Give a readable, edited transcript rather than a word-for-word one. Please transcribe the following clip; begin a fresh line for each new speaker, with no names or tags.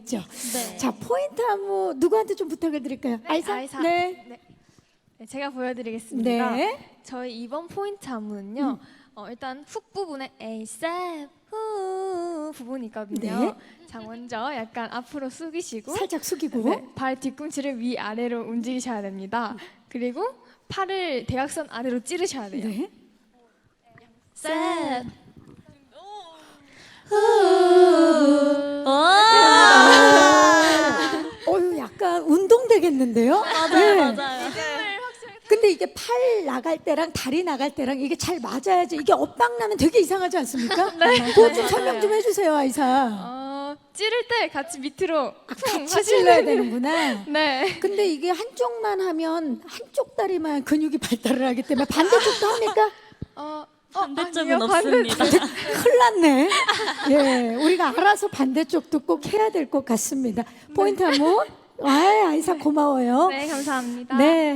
있죠.
네.
자, 포인트 안무 누구한테 좀 부탁을 드릴까요? 아이사?
아이사.
네.
네, 제가 보여드리겠습니다.
네.
저희 이번 포인트 안무는요. 일단 훅 부분에 에이셉 후 부분이 있거든요.
네.
자, 먼저 약간 앞으로 숙이시고
살짝 숙이고.
네, 발 뒤꿈치를 위아래로 움직이셔야 됩니다. 그리고 팔을 대각선 아래로 찌르셔야 돼요.
네.
셋.
어유 약간 운동 되겠는데요?
맞아요.
근데 이게 팔 나갈 때랑 다리 나갈 때랑 이게 잘 맞아야지. 이게 엇박 나면 되게 이상하지 않습니까?
네.
그거 좀 설명 좀 해주세요, 아이사.
찌를 때 같이 밑으로
같이 찔러야 되는구나.
네.
근데 이게 한쪽만 하면 한쪽 다리만 근육이 발달을 하기 때문에 반대쪽도 합니까?
반대쪽은
아니요,
없습니다.
큰일 났네. 예, 우리가 알아서 반대쪽도 꼭 해야 될 것 같습니다. 포인트 한번. 아이사 고마워요.
네, 감사합니다.
네.